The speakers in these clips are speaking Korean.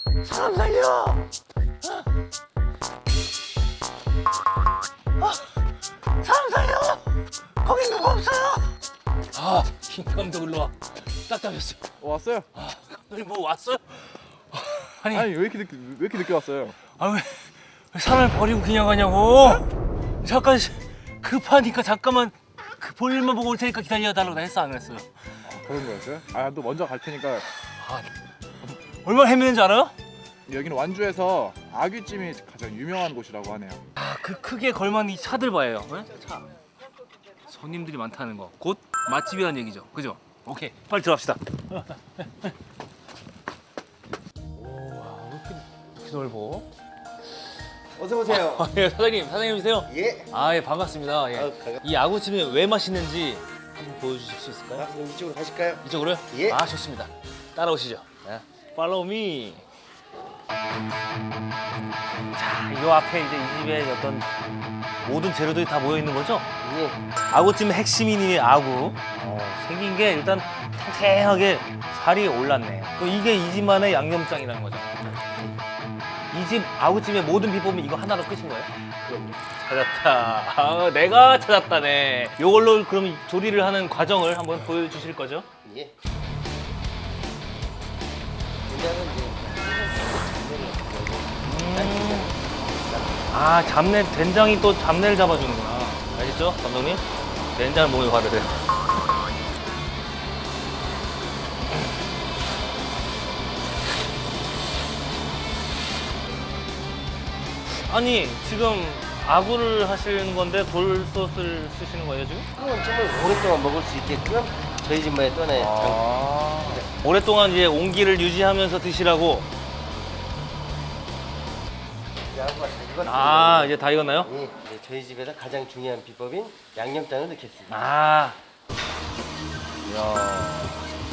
사람 살려! 사람 살려! 거기 누구 없어요? 아, 김 감독 일로 와. 딱 잡혔어. 왔어요? 감독님 뭐 왔어요? 아니, 아니 왜 이렇게 늦게 왔어요? 왜 사람을 버리고 그냥 가냐고? 잠깐 급하니까 잠깐만 그 볼일만 보고 올 테니까 기다려달라고 했어 안 했어요? 그런 거였어요? 아 또 먼저 갈 테니까. 얼마나 헤매는지 알아요? 여기는 완주에서 아귀찜이 가장 유명한 곳이라고 하네요. 아, 그 크게 걸맞는 이 차들 봐요. 네? 차. 손님들이 많다는 거. 곧 맛집이라는 얘기죠. 그죠? 오케이, 빨리 들어갑시다. 오, 이렇게 넓어. 어서 오세요. 예, 사장님이세요? 예. 아, 예, 반갑습니다. 예. 반갑습니다. 이 아구찜이 왜 맛있는지 한번 보여주실 수 있을까요? 아, 그럼 이쪽으로 가실까요? 이쪽으로요? 예. 아, 좋습니다. 따라오시죠. 네. Follow me. 자, 이 앞에 이제 이 집에 어떤 모든 재료들이 다 모여 있는 거죠? 예. 아구찜의 핵심인 아구. 생긴 게 일단 탱탱하게 살이 올랐네. 또 이게 이 집만의 양념장이라는 거죠. 이 집 아구찜의 모든 비법은 이거 하나로 끝인 거예요? 그럼요. 찾았다. 아, 내가 찾았다네. 이걸로 그럼 조리를 하는 과정을 한번 보여주실 거죠? 예. 그냥은 이제 아, 잡내, 된장이 또 잡내를 잡아주는구나. 아시죠, 감독님? 된장을 몸에 바르래. 아니, 지금 아구를 하시는 건데 돌솥을 쓰시는 거예요, 지금? 그건 정말 오랫동안 먹을 수 있게끔 저희 집만의 또 하나의 오랫동안 이제 온기를 유지하면서 드시라고. 야구가 잘 익었습니다. 아, 이제 다 익었나요? 예. 이제 저희 집에서 가장 중요한 비법인 양념장을 넣겠습니다. 아. 이야.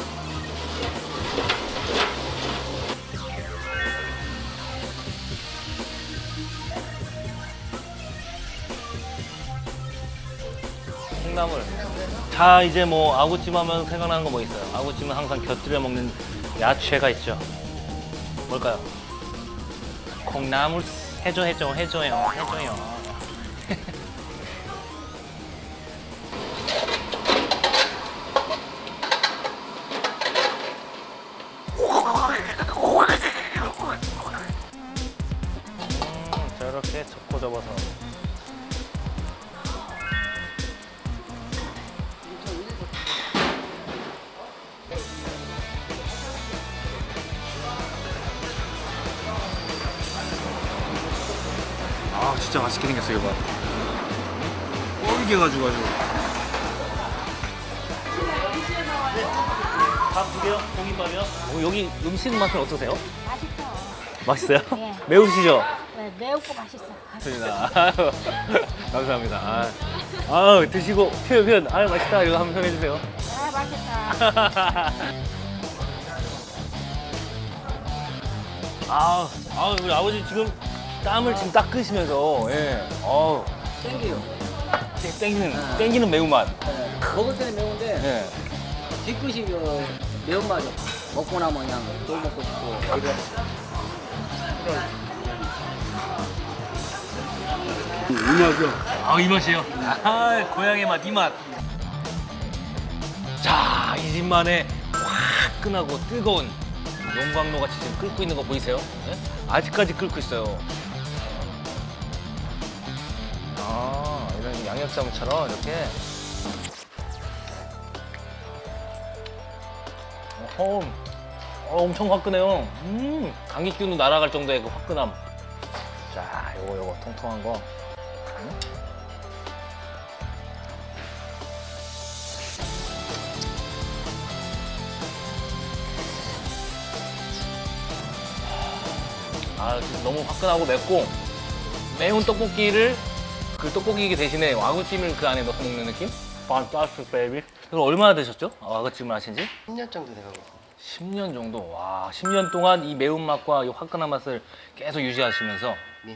콩나물. 자, 이제 뭐 아구찜 하면 생각나는 거 뭐 있어요? 아구찜은 항상 곁들여 먹는 야채가 있죠. 뭘까요? 콩나물. 해줘요. 저렇게 접고 접어서. 아, 진짜 맛있게 생겼어, 이거 봐. 꼴게가지고 아주. 밥 두 개요? 공깃밥이요? 여기 음식 맛은 어떠세요? 맛있어. 맛있어요? 네. 매우시죠? 네, 매우고 맛있어. 맞습니다. 감사합니다. 아, 드시고 표현. 아, 맛있다. 이거 한번 표현해 주세요. 아, 맛있다. 우리 아버지 지금 땀을 지금 닦으시면서, 예. 땡겨요. 땡기는 매운맛. 먹을 때는 매운데 예. 뒤끝이 그 매운맛이 먹고 나면 그냥 또 먹고 싶고 그래. 이 맛이에요. 고향의 맛, 이 맛. 자, 이 집만의 화끈하고 뜨거운 용광로 같이 지금 끓고 있는 거 보이세요? 네? 아직까지 끓고 있어요. 이런 양념장처럼 이렇게. 엄청 화끈해요. 감기 기운도 날아갈 정도의 그 화끈함. 자, 요거 통통한 거. 지금 너무 화끈하고 맵고 매운 떡볶이를 그 떡볶이 대신에 아구찜을 그 안에 넣어서 먹는 느낌? 판타스틱 베이비. 그럼 얼마나 되셨죠? 아구찜을 하신 지? 10년 정도 돼가고 있습니다. 10년 정도. 와, 10년 동안 이 매운맛과 이 화끈한 맛을 계속 유지하시면서 네.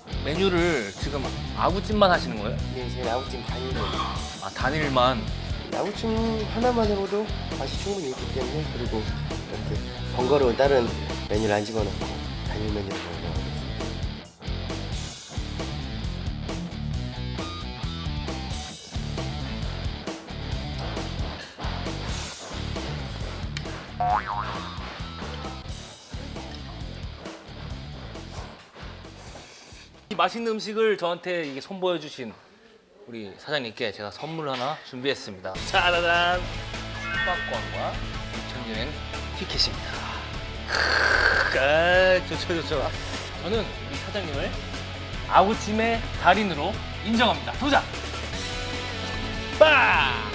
메뉴를 지금 아구찜만 하시는 거예요? 네, 저희 아구찜 단일로. 단일만. 아구찜 하나만으로도 맛이 충분히 있기 때문에 그리고 이렇게 번거로운 다른 메뉴를 안 집어넣고 단일 메뉴로 먹어요. 이 맛있는 음식을 저한테 이게 선보여 주신 우리 사장님께 제가 선물 하나 준비했습니다. 짜라란! 숙박권과 전여행 티켓입니다. 좋죠, 좋죠. 저는 우리 사장님을 아구찜의 달인으로 인정합니다. 도전! 빠!